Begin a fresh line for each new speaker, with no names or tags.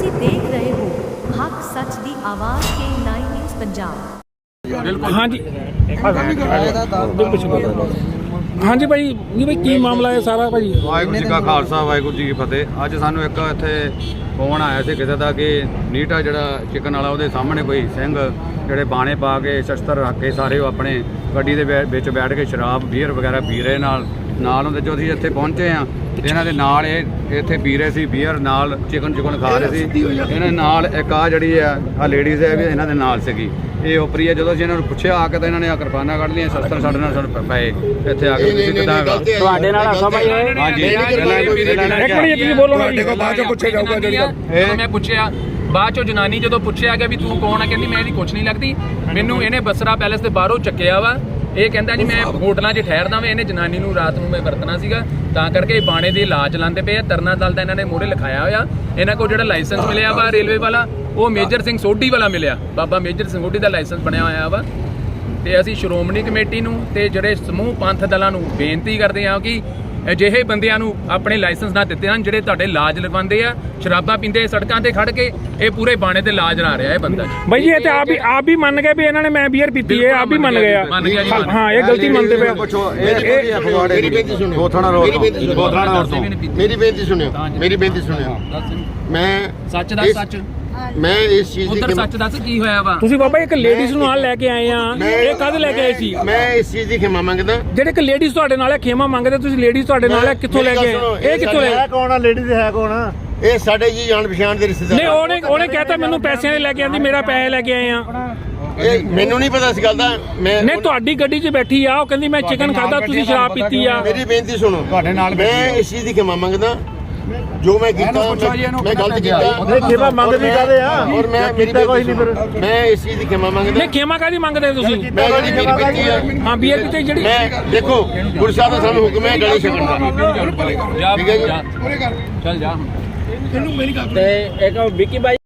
ਤੁਸੀਂ ਦੇਖ ਰਹੇ ਹੋ ਹੱਕ ਸੱਚ ਦੀ ਆਵਾਜ਼ ਕੇ 9 ਨਿਊਜ਼ ਪੰਜਾਬ।
हाँ जी हाँ जी भाई जी भाई की मामला है सारा भाई?
ਵਾਹਿਗੁਰੂ ਜੀ ਕਾ ਖਾਲਸਾ ਵਾਹਿਗੁਰੂ ਜੀ ਕੀ ਫਤਿਹ। ਅੱਜ ਸਾਨੂੰ ਇੱਕ ਇੱਥੇ ਫੋਨ ਆਇਆ ਸੀ ਕਿਸੇ ਦਾ ਕਿ ਨੀਟਾ ਜਿਹੜਾ ਚਿਕਨ ਵਾਲਾ ਉਹਦੇ ਸਾਹਮਣੇ ਕੋਈ ਸਿੰਘ ਜਿਹੜੇ ਬਾਣੇ ਪਾ ਕੇ ਸ਼ਸਤਰ ਰੱਖ ਕੇ ਸਾਰੇ ਉਹ ਆਪਣੇ ਗੱਡੀ ਦੇ ਵਿੱਚ ਬੈਠ ਕੇ ਸ਼ਰਾਬ ਬੀਅਰ ਵਗੈਰਾ ਪੀ ਰਹੇ ਨਾਲ ਹੁੰਦੇ। ਜੋ ਅਸੀਂ ਇੱਥੇ ਪਹੁੰਚੇ ਆ ਇਹਨਾਂ ਦੇ ਨਾਲ ਇਹ ਇੱਥੇ ਪੀ ਰਹੇ ਸੀ ਬੀਅਰ, ਨਾਲ ਚਿਕਨ ਖਾ ਰਹੇ ਸੀ। ਇਹਨਾਂ ਨਾਲ ਇੱਕ ਆ ਜਿਹੜੀ ਆ ਲੇਡੀਜ਼ ਹੈ ਵੀ ਇਹਨਾਂ ਦੇ ਨਾਲ ਸੀਗੀ। ਇਹ ਉਪਰੀ ਹੈ। ਜਦੋਂ ਅਸੀਂ ਇਹਨਾਂ ਨੂੰ ਪੁੱਛਿਆ ਆ ਕੇ ਤਾਂ ਇਹਨਾਂ ਨੇ ਆ ਕਿਰਪਾਨਾਂ ਕੱਢ ਲਈਆਂ, ਸ਼ਸਤਰ ਸਾਡੇ ਨਾਲ ਪਏ ਇੱਥੇ ਆ ਕੇ। ਤੁਸੀਂ ਕਿੱਦਾਂ
ਤੁਹਾਡੇ ਨਾਲ ਹੱਸਾ ਭਾਈ ਹੈ?
ਹਾਂਜੀ
ਇੱਕ ਮਿੰਟ ਤੁਸੀਂ ਬੋਲੋ ਨਾ ਜੀ।
ਬਾਅਦ ਚੋਂ ਪੁੱਛਿਆ ਜਾਊਗਾ
ਜਦੋਂ ਮੈਂ ਪੁੱਛਿਆ ਬਾਅਦ ਚੋਂ ਜਨਾਨੀ ਜਦੋਂ ਪੁੱਛਿਆ ਗਿਆ ਵੀ ਤੂੰ ਕੌਣ ਆ, ਕਹਿੰਦੀ ਮੈਂ ਇਹਦੀ ਕੁਛ ਨਹੀਂ ਲੱਗਦੀ, ਮੈਨੂੰ ਇਹਨੇ ਬਸਰਾ ਪੈਲੇਸ ਦੇ ਬਾਹਰੋਂ ਚੱਕਿਆ ਵਾ। ਇਹ ਕਹਿੰਦਾ ਜੀ ਮੈਂ ਹੋਟਲਾਂ 'ਚ ਠਹਿਰਦਾ ਵਾਂ। ਇਹਨੇ ਜਨਾਨੀ ਨੂੰ ਰਾਤ ਨੂੰ ਮੈਂ ਵਰਤਣਾ ਸੀਗਾ, ਤਾਂ ਕਰਕੇ ਇਹ ਬਾਣੇ ਦੇ ਇਲਾਜ ਲਾਉਂਦੇ ਪਏ ਆ। ਤਰਨਾ ਦਲ ਦਾ ਇਹਨਾਂ ਨੇ ਮੋਹਰੇ ਲਿਖਾਇਆ ਹੋਇਆ। ਇਹਨਾਂ ਕੋਲ ਜਿਹੜਾ ਲਾਇਸੈਂਸ ਮਿਲਿਆ ਵਾ ਰੇਲਵੇ ਵਾਲਾ, ਉਹ ਮੇਜਰ ਸਿੰਘ ਸੋਢੀ ਵਾਲਾ ਮਿਲਿਆ। ਬਾਬਾ ਮੇਜਰ ਸਿੰਘ ਸੋਢੀ ਦਾ ਲਾਇਸੈਂਸ ਬਣਿਆ ਹੋਇਆ ਵਾ। ਤੇ ਅਸੀਂ ਸ਼੍ਰੋਮਣੀ ਕਮੇਟੀ ਨੂੰ ਤੇ ਜਿਹੜੇ ਸਮੂਹ ਪੰਥ ਦਲਾਂ ਨੂੰ ਬੇਨਤੀ ਕਰਦੇ ਹਾਂ ਕਿ ਅਜਿਹੇ ਬੰਦਿਆਂ ਨੂੰ ਆਪਣੇ ਲਾਇਸੈਂਸ ਨਾ ਦਿੱਤੇ ਹਨ ਜਿਹੜੇ ਤੁਹਾਡੇ ਲਾਜ ਲਗਵਾਉਂਦੇ ਆ, ਸ਼ਰਾਬਾਂ ਪੀਂਦੇ ਸੜਕਾਂ ਤੇ ਖੜ ਕੇ। ਇਹ ਪੂਰੇ ਬਾਣੇ ਤੇ ਲਾਜ ਲਾ ਰਿਹਾ ਇਹ ਬੰਦਾ
भाई जी। ये तो आप भी मान गए भी इन्होंने मैं बियर पीती है, आप भी मान गए? हाँ ये गलती मानते पे।
ਮੇਰੀ ਬੇਨਤੀ ਸੁਣਿਓ,
ਗੋਥਾਣਾ ਰੋਡ ਤੋਂ
ਮੇਰੀ ਬੇਨਤੀ ਸੁਣਿਓ। ਮੈਂ
ਸੱਚ ਦੱਸ, ਸੱਚ
ਮੈਂ ਇਸ ਚੀਜ਼
ਉਧਰ ਸੱਚ ਦੱਸ ਕੀ ਹੋਇਆ ਵਾ।
ਤੁਸੀਂ ਬਾਬਾ ਇੱਕ ਲੇਡੀਜ਼ ਨੂੰ ਨਾਲ ਲੈ ਕੇ ਆਏ ਆ, ਇਹ ਕਦ ਲੈ ਕੇ ਆਏ ਸੀ?
ਮੈਂ ਇਸ ਚੀਜ਼ ਦੀ ਖਿਮਾ ਮੰਗਦਾ।
ਜਿਹੜੇ ਇੱਕ ਲੇਡੀਜ਼ ਤੁਹਾਡੇ ਨਾਲ ਹੈ ਖੇਮਾ ਮੰਗਦੇ, ਤੁਸੀਂ ਲੇਡੀਜ਼ ਤੁਹਾਡੇ ਨਾਲ ਹੈ, ਕਿੱਥੋਂ ਲੈ ਕੇ ਆਏ? ਇਹ ਕਿੱਥੋਂ ਲੈ?
ਕੌਣ ਆ ਲੇਡੀਜ਼ ਹੈ ਕੌਣ ਆ? ਇਹ ਸਾਡੇ ਜੀ ਜਾਣ ਪਛਾਣ ਦੇ ਰਿਸ਼ਤੇਦਾਰ।
ਨਹੀਂ ਉਹਨੇ ਕਹਿਤਾ ਮੈਨੂੰ ਪੈਸਿਆਂ ਦੇ ਲੈ ਕੇ ਆਂਦੀ, ਮੇਰਾ ਪੈਸੇ ਲੈ ਕੇ ਆਏ ਆ।
ਇਹ ਮੈਨੂੰ ਨਹੀਂ ਪਤਾ ਇਸ ਗੱਲ ਦਾ। ਮੈਂ
ਨਹੀਂ ਤੁਹਾਡੀ ਗੱਡੀ 'ਚ ਬੈਠੀ ਆ, ਉਹ ਕਹਿੰਦੀ ਮੈਂ ਚਿਕਨ ਖਾਦਾ, ਤੁਸੀਂ ਸ਼ਰਾਬ ਪੀਤੀ ਆ।
ਮੇਰੀ ਬੇਨਤੀ ਸੁਣੋ, ਤੁਹਾਡੇ ਨਾਲ ਮੈਂ ਇਸ ਚੀਜ਼ ਦੀ ਖਿਮਾ ਮੰਗਦਾ। ਜੋ ਮੈਂ ਕੀਤਾ ਮੈਂ ਗਲਤ ਕੀਤਾ।
ਖਿਮਾ ਮੰਗਦੇ ਕਾਹਦੇ ਆ?
ਔਰ ਮੈਂ ਮੇਰੀ ਕੋਈ ਨਹੀਂ। ਫਿਰ ਮੈਂ ਇਸ ਚੀਜ਼ ਦੀ ਖਿਮਾ ਮੰਗਦਾ।
ਨਹੀਂ ਖੇਮਾ ਕਾਹਦੀ ਮੰਗਦੇ ਤੁਸੀਂ?
ਮੈਂ ਜਿਹੜੀ ਮੇਰੀ ਬੇਨਤੀ ਆ,
ਹਾਂ ਬੀਅਰ ਪੀਤੇ ਜਿਹੜੀ।
ਮੈਂ ਦੇਖੋ ਗੁਰੂ ਸਾਹਿਬ ਦਾ ਸਾਨੂੰ ਹੁਕਮ ਹੈ ਗਲੇ ਛਕਣ ਦਾ।
ਜਾ
ਠੀਕ ਹੈ ਜੀ।
ਚੱਲ ਜਾ ਹੁਣ।
ਤੇ ਇੱਕ ਵਿੱਕੀ ਬਾਈ